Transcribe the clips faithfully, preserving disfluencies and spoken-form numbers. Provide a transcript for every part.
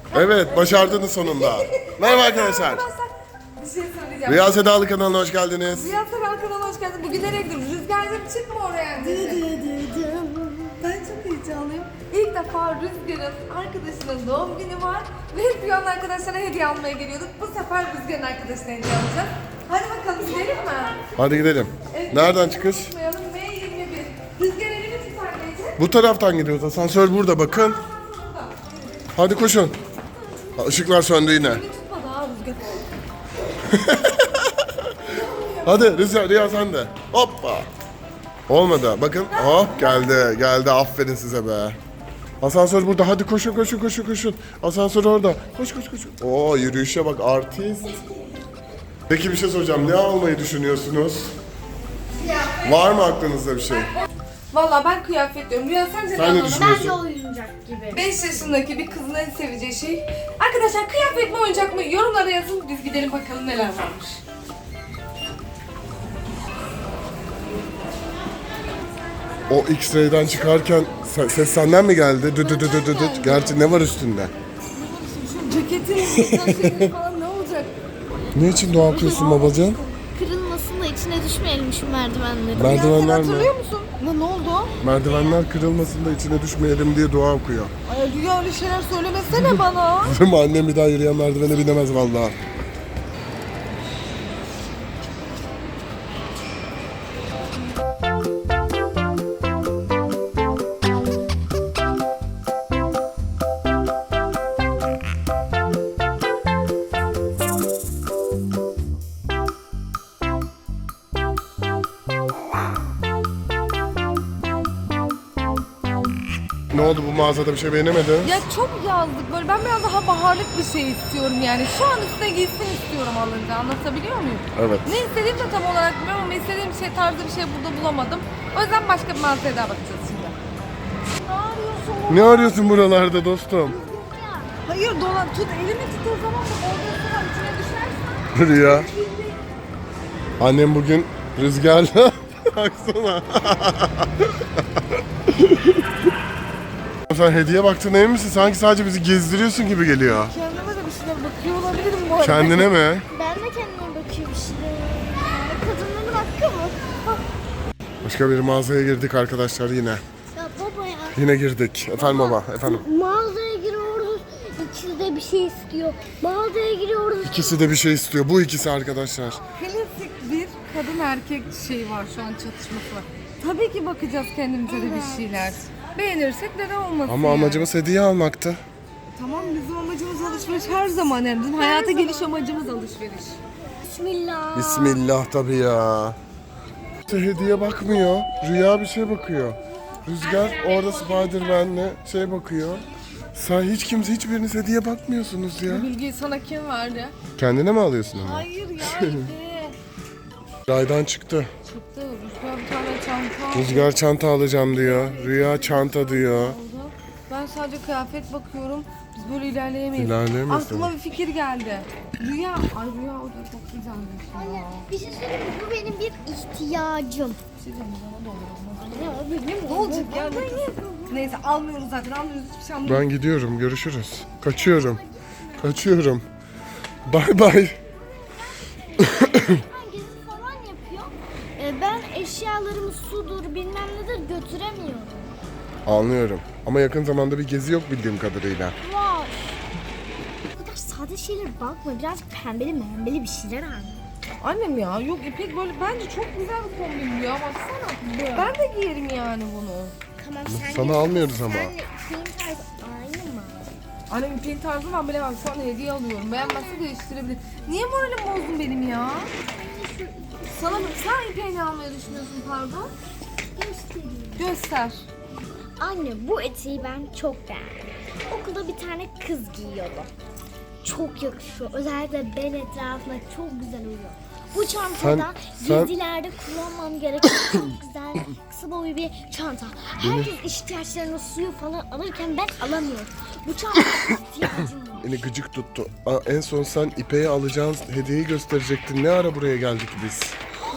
Evet, başardınız sonunda. Merhaba arkadaşlar. Bir şey söyleyeceğim. Rüya Sedalı kanalına hoş geldiniz. Rüya Sedalı kanalına hoş geldin. Bugün nereye gidiyoruz? Rüzgar'cığım çıkma oraya. Ben çok heyecanlıyım. İlk defa Rüzgar'ın arkadaşının doğum günü var. Ve hep Rüya'nın arkadaşlarına hediye almaya geliyorduk. Bu sefer Rüzgar'ın arkadaşına hediye alacağız. Hadi bakalım gidelim mi? Hadi gidelim. Evet, Nereden çıkış? Unutmayalım. M yirmi bir. Rüzgar elini tut anneciğim. Bu taraftan gidiyoruz. Asansör burada bakın. Hadi koşun. Işıklar söndü yine. Elini tutma daha Rüzgar. Hadi Rüya, Rüya sen de. Hoppa. Olmadı. Bakın. Hop geldi. Geldi. Aferin size be. Asansör burada. Hadi koşun koşun koşun koşun. Asansör orada. Koş koş koş. Oo yürüyüşe bak artist. Peki bir şey soracağım. Ne almayı düşünüyorsunuz? Var mı aklınızda bir şey? Valla ben kıyafet diyorum. Rüya sence Sen ne alalım? düşünüyorsun? Bence oyuncak gibi. beş yaşındaki bir kızın en seveceği şey. Arkadaşlar kıyafet mi oyuncak mı? Yorumlara yazın. Biz gidelim bakalım neler varmış. O X-ray'den çıkarken se- ses senden mi geldi? Dü dü dü dü dü dü. Gerçi ne var üstünde? Şu ceketin falan ne olacak? Ne için dua okuyorsun babacığım? Kırılmasın da içine düşmeyelim şu merdivenleri. Merdivenler mi? Hatırlıyor musun? Ne, ne oldu? Merdivenler kırılmasın da içine düşmeyelim diye dua okuyor. Ay Rüya öyle şeyler söylemesene bana. Değil mi? Annem bir daha yürüyen merdivene binemez vallahi. Ne oldu bu mağazada bir şey beğenemedin? Ya çok yazdık böyle. Ben biraz daha baharlık bir şey istiyorum yani. Şu an üstüne giysin istiyorum alınca. Anlatabiliyor muyum? Evet. Ne istediğimi de tam olarak bilmiyorum ama istediğim şey tarzı bir şey burada bulamadım. O yüzden başka bir mağazaya daha bakacağız şimdi. Ne arıyorsun? Ne arıyorsun buralarda dostum? Hayır dolan tut elimi tut o zaman da orada sıra içine düşersen. Rüya. Annem bugün rüzgarla baksana. Sen hediye baktığına emin misin? Sanki sadece bizi gezdiriyorsun gibi geliyor. Kendime de bir şeyler bakıyor olabilirim bu arada. Kendine mi? Ben de kendime bakıyorum şimdi. Kadınların hakkı mı? Başka bir mağazaya girdik arkadaşlar yine. Ya baba ya. Yine girdik. Efendim baba, efendim. Mağazaya giriyoruz. İkisi de bir şey istiyor. Mağazaya giriyoruz. İkisi de bir şey istiyor. Bu ikisi arkadaşlar. Klasik bir kadın erkek şeyi var şu an çatışması var. Tabii ki bakacağız kendimize de bir şeyler. Beğenirsek neden olmasın Ama yani. amacımız hediye almaktı. Tamam bizim amacımız alışveriş her zaman yani. Bizim hayata geliş amacımız alışveriş. Bismillah. Bismillah tabii ya. Hediye bakmıyor. Rüya bir şey bakıyor. Rüzgar orada Spider-Man'le şey bakıyor. Sen hiç kimse hiçbiriniz hediye bakmıyorsunuz ya. Bilgiyi sana kim verdi? Kendine mi alıyorsun onu? Hayır ya hediye. Raydan çıktı. Çıktı. Rüzgar bir tane çanta Rüzgar çanta alacağım diyor. Rüya çanta diyor. aldı. Ben sadece kıyafet bakıyorum. Biz böyle ilerleyemeyiz. İlerleyemeyiz Aklıma bir fikir geldi. Rüya. Ay Rüya o da çok güzelmiş ya. Bir şey söyleyeyim mi? Bu benim bir ihtiyacım. Bir şey diyeceğim, bana da olur. Ne o benim? Ne olacak ya? Neyse almıyoruz zaten almıyoruz hiçbir şey almıyoruz. Ben gidiyorum. Görüşürüz. Kaçıyorum. Kaçıyorum. Bay bay. Ben gezi falan yapıyor. Ee, ben eşyalarımı sudur bilmem nedir götüremiyorum. Anlıyorum. Ama yakın zamanda bir gezi yok bildiğim kadarıyla. Var. Bu kadar sade şeyler bakma. Biraz pembeli membeli bir şeyler al. Annem ya yok İpek böyle bence çok güzel bir kombin ya baksana. Ben de giyerim yani bunu. Tamam sen Sana git. almıyoruz ama. Sen senin tarzı aynı mı? Annem İpek'in tarzını ben bilemem. Şu an hediye alıyorum. Beğenmezse değiştirebilir. Niye moralim bozdun benim ya? Sana bak sen İpek'i ne almayı düşünüyorsun pardon? Göstereyim. Göster. Anne bu eteği ben çok beğendim. Okulda bir tane kız giyiyordu. Çok yakışıyor. Özellikle bel etrafına çok güzel uyuyor. Bu çantada Sen- sen- gezilerde kullanmam gereken çok güzel kısa boylu bir çanta. Herkes ihtiyaçlarını suyu falan alırken ben alamıyorum. Bu çantaya ihtiyacım var. Beni gıcık tuttu. Aa, en son sen İpek'e alacağın hediyeyi gösterecektin. Ne ara buraya geldik biz?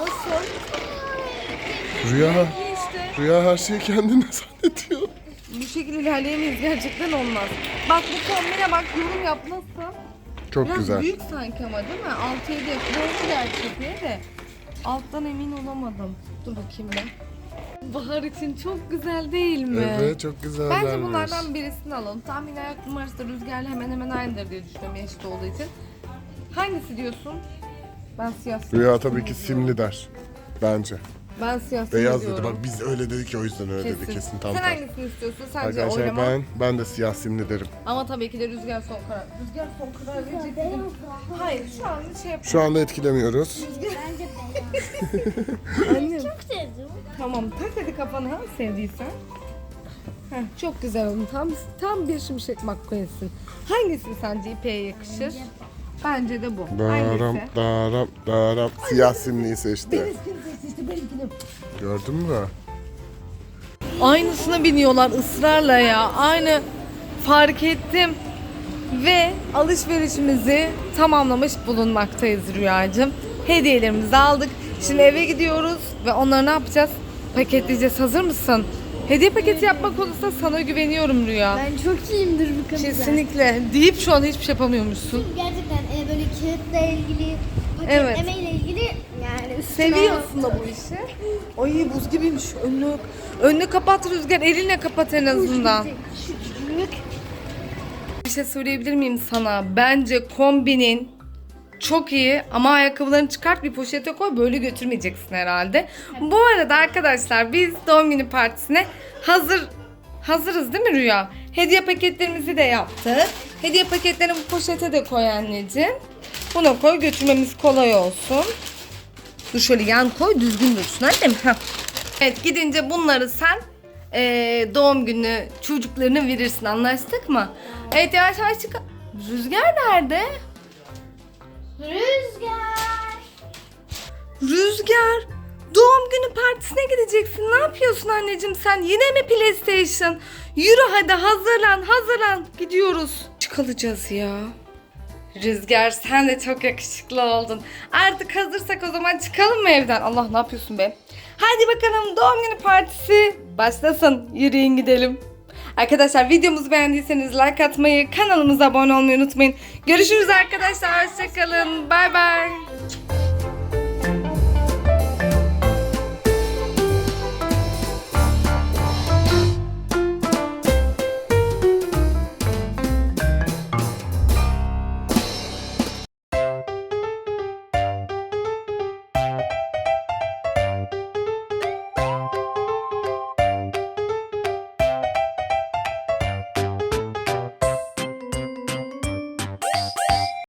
Nasıl? Rüya, İyi işte. Rüya her şeyi kendine zannediyor. Bir şekilde ilerleyemeyiz, gerçekten olmaz. Bak bu kombine bak, yorum yap nasıl? Çok Biraz güzel. büyük sanki ama değil mi? altı yedi doğru gerçekten de. Alttan emin olamadım. Dur bakayım ben. Bahar için çok güzel değil mi? Evet, çok güzellermiş. Bence bunlardan birisini alalım. Tahmin ayak numarası da Rüzgar'la hemen hemen aynıdır diye düşünüyorum eşit olduğu için. Hangisi diyorsun? Ben siyah simli Rüya tabii ki diyorum. simli der. Bence. Ben siyah simli Beyaz dedi. diyorum. Bak biz öyle dedik ya, o yüzden öyle dedi kesin. Tam Sen tam. hangisini istiyorsun? Sence Arkadaşlar oylama. ben ben de siyah simli derim. Ama tabii ki de Rüzgar son karar. Rüzgar son karar verecek dedim. Hayır şu an şey yap. Şu anda etkilemiyoruz. Bence beyaz. Annem. Çok sevdim. Tamam tak hadi kafana ha, sevdiysen. Heh, çok güzel oldu. Tam tam bir şimşek McQueen'sin. Hangisi sence ipeğe yakışır? Bence de bu. Daram Hangisi? daram daram. Siyah simliyi seçti. Gördün mü? Aynısına biniyorlar ısrarla ya. Aynı, fark ettim. Ve alışverişimizi tamamlamış bulunmaktayız Rüyacığım. Hediyelerimizi aldık. Şimdi eve gidiyoruz ve onları ne yapacağız? Paketleyeceğiz. Hazır mısın? Hediye paketi yapmak olursa sana güveniyorum Rüya. Ben çok iyiyimdir bu konuda. Kesinlikle. Deyip şu an hiçbir şey yapamıyormuşsun. Gerçekten e, böyle kağıtla ilgili, Evet. paketlemeyle ilgili yani üstüne Seviyorsun da bu işi. Ay buz gibiymiş. Önünü, önünü kapat Rüzgar. Elinle kapat en azından. Küçücük. Bir şey söyleyebilir miyim sana? Bence kombinin çok iyi ama ayakkabılarını çıkart, bir poşete koy, böyle götürmeyeceksin herhalde. Bu arada arkadaşlar biz doğum günü partisine hazır hazırız değil mi Rüya? Hediye paketlerimizi de yaptık. Hediye paketlerini bu poşete de koy anneciğim. Buna koy, götürmemiz kolay olsun. Dur şöyle yan koy, düzgün dursun annem. Heh. Evet, gidince bunları sen eee, doğum günü çocuklarına verirsin, anlaştık mı? Evet, yavaş yavaş çık. Rüzgar nerede? Rüzgar. Rüzgar, doğum günü partisine gideceksin. Ne yapıyorsun anneciğim sen? Yine mi PlayStation? Yürü hadi, hazırlan hazırlan. Gidiyoruz. Çıkalacağız ya. Rüzgar sen de çok yakışıklı oldun. Artık hazırsak o zaman çıkalım mı evden? Allah, ne yapıyorsun be? Hadi bakalım, doğum günü partisi başlasın. Yürüyün gidelim. Arkadaşlar videomuzu beğendiyseniz like atmayı, kanalımıza abone olmayı unutmayın. Görüşürüz arkadaşlar. Hoşçakalın. Bay bay.